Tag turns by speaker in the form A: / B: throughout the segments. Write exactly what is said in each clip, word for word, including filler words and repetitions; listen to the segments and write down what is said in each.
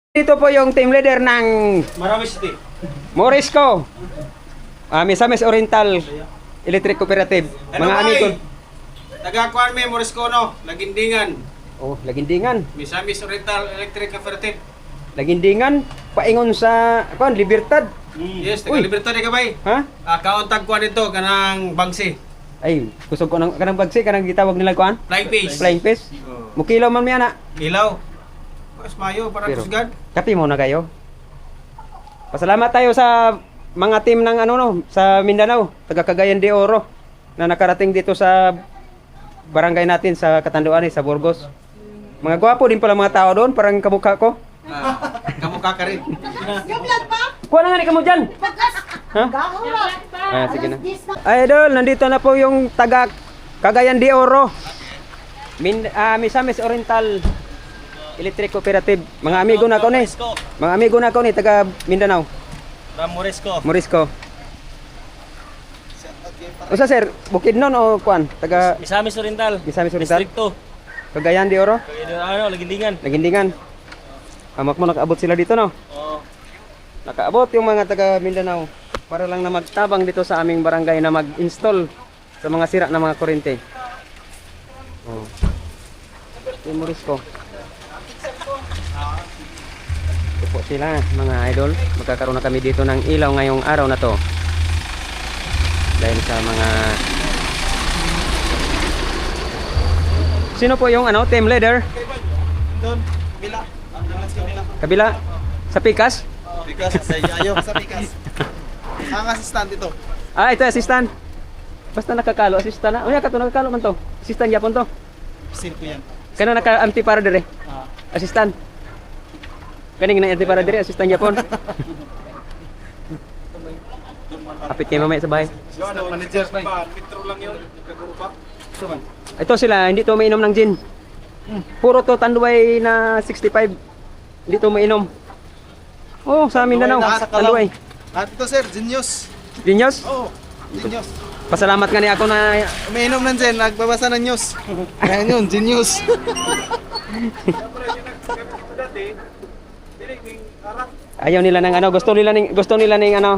A: Dito po yung team leader ng
B: Marami City.
A: Morisco, uh, Misamis Oriental Electric Cooperative.
B: Ano
A: Mga
B: ba
A: amigo.
B: eh? Taga-kuan may Morisco no, Lagindingan.
A: Oh, Lagindingan.
B: Misamis Oriental Electric Cooperative.
A: Lagindingan, paingon sa kuan Libertad.
B: Yes,
A: Uy.
B: taga Libertad ka bay.
A: Ha?
B: Ah, kauntag kuan dito kanang Bangsi.
A: Ay, kusog ko nang kanang bagsi kanang gitawag nila kuan.
B: Flying Fish.
A: Flying fish.
B: Oh.
A: Mukilaw man mi ana.
B: Ilaw. Mas mayo para
A: Pero-
B: kusgan.
A: Kapi mo na kayo. Pasalamat tayo sa mga team ng ano no, sa Mindanao, taga Cagayan de Oro na nakarating dito sa barangay natin sa Catanduanes, sa Burgos. Mga gwapo din pala mga tao doon, parang kamukha ko.
B: Ah, kamukha ka rin.
A: Kuha na nga ni kamo dyan. Ha? Ah, sige na. Idol, nandito na po yung taga Cagayan de Oro. Min, ah, Misamis Oriental Electric Cooperative. Mga amigo na ko ni. Mga amigo na ko ni taga Mindanao.
B: Ram Morisco.
A: Morisco. Usa sir, Bukidnon o kuan? Taga
C: Misamis Oriental.
A: Misamis Oriental.
C: Distrito.
A: Cagayan de Oro.
C: Ano, Lagindingan.
A: Nagindingan. Amak mo nakaabot sila dito no.
C: Oh.
A: Nakaabot yung mga taga Mindanao para lang na magtabang dito sa aming barangay na mag-install sa mga sira na mga kuryente. Oh. Yung Morisco. Ito po sila mga idol. Magkakaroon na kami dito ng ilaw ngayong araw na to. Dahil sa mga... Sino po yung ano, team leader?
B: Doon, bila. Ang langas ka bila.
A: Kabila? Sa Pikas?
B: Pikas sa ayaw sa Pikas. Ang assistant ito.
A: Ah, ito assistant. Basta nakakalo, assistant na. Unya ka to, nakakalo man to. Assistant yapon to.
B: Sil ko yan.
A: Kano naka-anti para dire?
B: Ah.
A: Assistant. Kaning na anti para dire, assistant yapon. Kapit kayo mamaya sa bahay.
B: Manager pa, Petro lang yun. Kagrupa.
A: Ito sila, hindi to mainom ng gin. Puro to tanduay na sixty-five. Hindi to mainom. Oh, sa amin na no. Tanduay.
B: At ito sir, Genius.
A: Dinyos,
B: Oo, Genius.
A: pasalamat nga ni ako na
B: Umiinom ng Zen, nagbabasa ng news. Kaya yun, Genius.
A: ayaw nila ng ano, gusto nila ning gusto nila ning ano.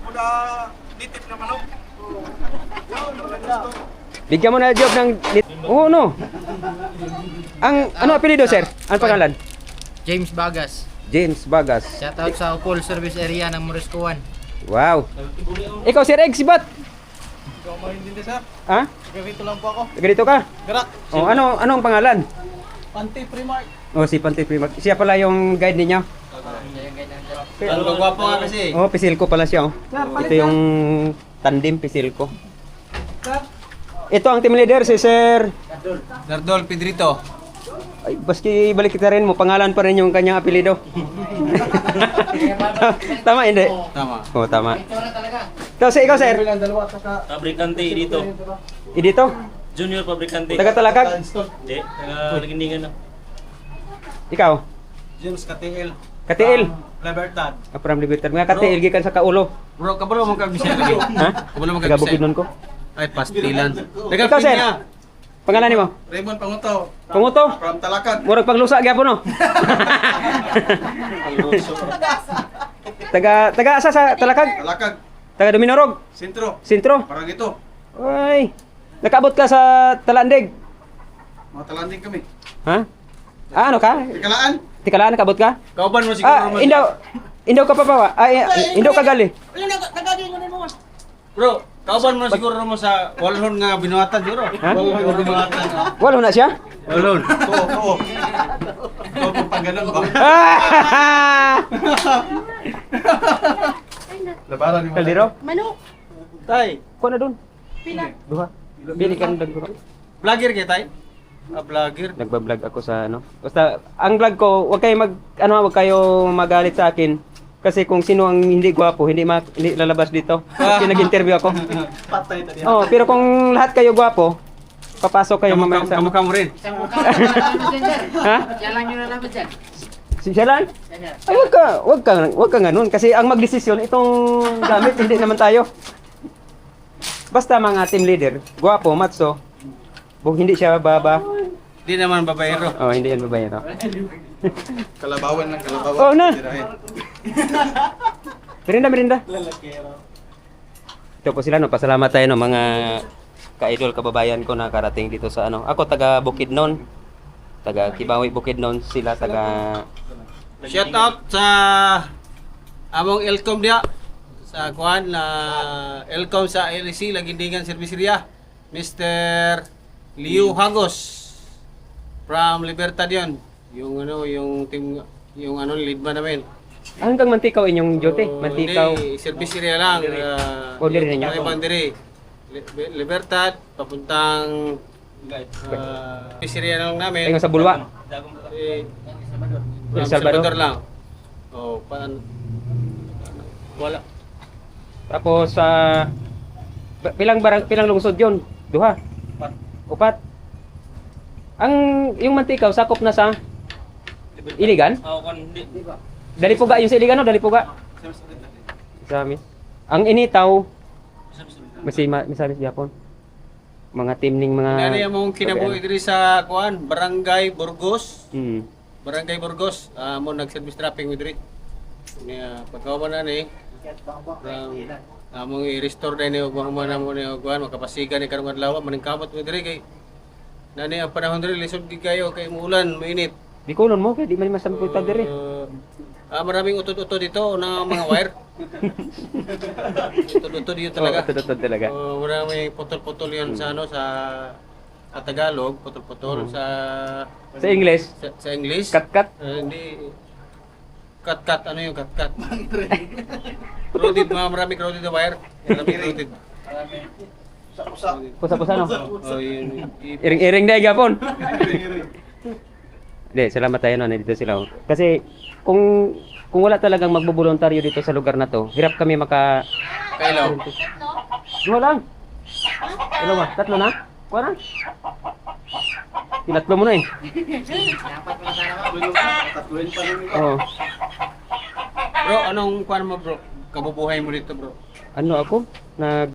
A: Bigyan mo na job ng Oo, no. Ang ano apelyido, sir? Ano pangalan?
D: James Bagas.
A: James Bagas.
D: Shoutout sa full service area ng Morisco one.
A: Wow. Ikaw, Sir Egg, sibat?
B: Ikaw mahindindi sir,
A: Ha?
B: gawito lang po ako.
A: Ganito ka?
B: Garak,
A: Oh, ano ano ang pangalan?
B: Panty Primark.
A: Oh, si Pante Primac. Siya pala yung guide ninyo.
B: Ano ba gwapo nga kasi?
A: Oh, Pisilko pala siya, oh. Ito yung tandem Pisilko. Ito ang team leader, si Sir.
B: Dardol Pedrito.
A: Ay, baski balik kita rin mo, pangalan pa rin yung kanyang apelyido. Tama, hindi?
B: Tama.
A: Oh, tama. Ito, si ikaw, Sir.
C: Fabrikante dito.
A: I dito?
C: Junior fabrikante.
A: Taga Talakag?
C: Hindi, taga Lagindingan na.
A: Ikaw?
B: James Katiel.
A: Katiil?
B: Libertad.
A: Apram Libertad. Mga katiil, gikan sa kaulo.
B: Bro, kabalo mo kag-bisaya lagi.
A: Ha?
B: Kabalo mo
A: Taga
B: kag-bisaya.
A: Bukidnon ko.
B: Ay, pastilan.
A: Ikaw, Sir. Pangalan ni mo?
B: Raymond Panguto.
A: Panguto?
B: From Talakad.
A: Murag paglusa gyapon no. taga taga asa sa Talakag?
B: Talakad.
A: Taga Dominorog,
B: Sentro.
A: Sentro.
B: Parang ito.
A: Ay. Nakabot ka sa Talandig.
B: Mga talanding kami.
A: Ha? Ah, ano ka?
B: Ikalaan.
A: Tikalaan nakabot ka?
B: Kauban mo siguro
A: Ah,
B: naman.
A: indaw. Indaw ka pa pa. Ay, indaw ka gali.
B: Bro, kauban mo siguro naman sa walhon nga binuhatan siguro.
A: Ha?
B: Walhon nga binuhatan.
A: Wala na siya?
B: Walhon. Oo, oo. Oo, pag ganun ba?
A: Ah!
B: Labaran ni
A: Kaldero?
E: Manok.
B: Tay,
A: Ko na dun.
E: Pila.
A: Duha. Bili ka ng daguro.
B: vlogger kay tay? Ah, vlogger.
A: Nagba-vlog ako sa ano. Basta ang vlog ko, wag kayo mag ano, wag kayo magalit sa akin. Kasi kung sino ang hindi gwapo, hindi, ma, hindi lalabas dito. Kasi nag-interview ako.
B: Patay tadi.
A: Oh, pero kung lahat kayo gwapo, papasok kayo mamaya sa...
B: Kamukha mo rin.
D: Isang mukha lang yung nalaman dyan, sir.
A: Ha?
D: Yan lang yung nalaman dyan.
A: Si siya lang?
D: Yan, sir.
A: Ay, wag ka, wag ka, wag ka ganun. Kasi ang magdesisyon, itong gamit, hindi naman tayo. Basta mga team leader, gwapo, matso, kung hindi siya baba,
B: Di naman babaero.
A: oh, hindi yan babae, no?
B: Kalabawan ng kalabawan.
A: Oo na.
B: Tirahin.
A: Merinda, merinda. Ito po sila, no? Pasalamat tayo, no? Mga ka-idol, kababayan ko na karating dito sa ano. Ako, taga Bukidnon. Taga Kibawi, Bukidnon. Sila, taga...
E: Shout out sa among Elcom dia sa kuan na Elcom sa L E C Lagindingan Serviceria Mister Liu Hagos from Libertad yun. Yung ano yung team yung ano lead man namin.
A: Ah, hanggang Mantikaw inyong duty?
E: Oh,
A: Mantikaw.
E: Hindi, Serviceria lang. Uh,
A: O, diri ninyo?
E: Bandiri. Libertad papuntang uh, Serviceria lang namin.
A: Ayun sa Bulwa.
E: Eh,
A: El
E: El
A: Salvador.
E: Salvador lang. Oh, paan? Wala.
A: Tapos sa pilang barang pilang lungsod 'yon? Duha. Upat. Ang yung Mantikaw sakop na sa Iligan?
C: Ako kan hindi.
A: Dalipuga yung sa Iligan, no? Dalipuga. Sa amin. Ang Initaw Masima, misamis Japon. Mga team ning mga
E: Ano yung mong kinabuhi diri sa kuan, Barangay Burgos.
A: Hmm.
E: Barangay Burgos, ah mo nag-service trapping with diri. Niya pagkawa na ni um, among i-restore din yung mga mga mo ni kuan makapasigan ni karong adlaw maning kamot with diri kay nani ang panahon diri lisod gid kayo kay muulan, mainit.
A: Di kulon mo kay di man masamputag diri.
E: Uh, ah, maraming utod-utod dito na mga wire. Utod-utod dito talaga.
A: Oo, tututod talaga.
E: Uh, maraming putol-putol yan sa ano sa sa Tagalog, putol-putol sa
A: Sa English,
E: sa, sa English.
A: kat-kat.
E: Uh, hindi cut-cut ano yung cut-cut? Crowded, mga maraming crowded na wire. Maraming crowded.
A: Pusa-pusa no.
E: Oh, yun. i-
A: Iring-iring dai gapon. Hindi, salamat tayo na nandito sila. oh. Kasi kung kung wala talagang magbobolontaryo dito sa lugar na to, hirap kami maka
E: Kailaw.
A: Dua lang. Ano ba? Tatlo na? Kuha na? Tinatlo mo na eh. Oo.
E: Bro, anong kuan mo bro? Kabubuhay mo dito bro?
A: Ano ako? Nag